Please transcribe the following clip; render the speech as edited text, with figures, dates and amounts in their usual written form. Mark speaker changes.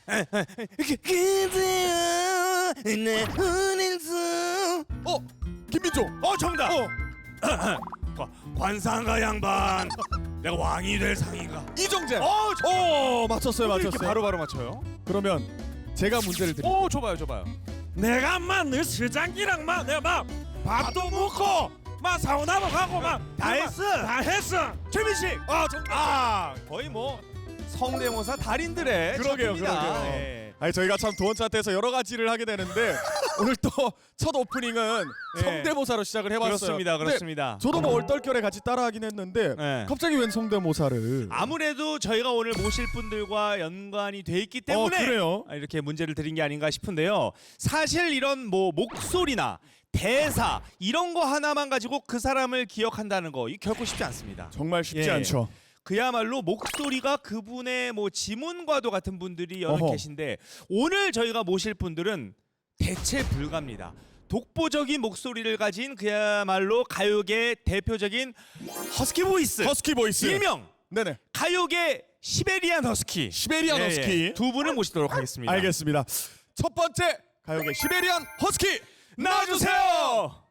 Speaker 1: 그대여 내 눈에서.
Speaker 2: 김민종.
Speaker 1: 정답. 관상가 양반. 내가 왕이 될 상인가.
Speaker 2: 이정재. 맞췄어요,
Speaker 1: 이렇게
Speaker 2: 맞췄어요.
Speaker 1: 바로바로 맞춰요.
Speaker 2: 그러면 제가 문제를 드릴게요.
Speaker 1: 줘봐요. 내가 너 스장기랑 내가 밥도 먹고 사우나도 가고 다 했어. 최민식. 거의 성대모사 달인들의
Speaker 2: 그러게요.
Speaker 1: 작품이다. 예.
Speaker 2: 아니 저희가 참 도원 차트에서 여러 가지를 하게 되는데 오늘 또 첫 오프닝은
Speaker 1: 예.
Speaker 2: 성대모사로 시작을 해봤어요.
Speaker 1: 그렇습니다.
Speaker 2: 근데 저도 얼떨결에 같이 따라하긴 했는데
Speaker 1: 예.
Speaker 2: 갑자기 웬 성대모사를?
Speaker 1: 아무래도 저희가 오늘 모실 분들과 연관이 돼 있기 때문에
Speaker 2: 그래요?
Speaker 1: 이렇게 문제를 드린 게 아닌가 싶은데요. 사실 이런 목소리나 대사 이런 거 하나만 가지고 그 사람을 기억한다는 거 이 결코 쉽지 않습니다.
Speaker 2: 정말 쉽지
Speaker 1: 예.
Speaker 2: 않죠.
Speaker 1: 그야말로 목소리가 그분의 지문과도 같은 분들이 여러
Speaker 2: 어허.
Speaker 1: 계신데 오늘 저희가 모실 분들은 대체 불가입니다. 독보적인 목소리를 가진 그야말로 가요계 대표적인 허스키 보이스.
Speaker 2: 허스키 보이스.
Speaker 1: 일명
Speaker 2: 네네.
Speaker 1: 가요계 시베리안 허스키.
Speaker 2: 시베리안 허스키.
Speaker 1: 두 분을 모시도록 하겠습니다.
Speaker 2: 알겠습니다. 첫 번째 가요계 시베리안 허스키
Speaker 1: 나와주세요.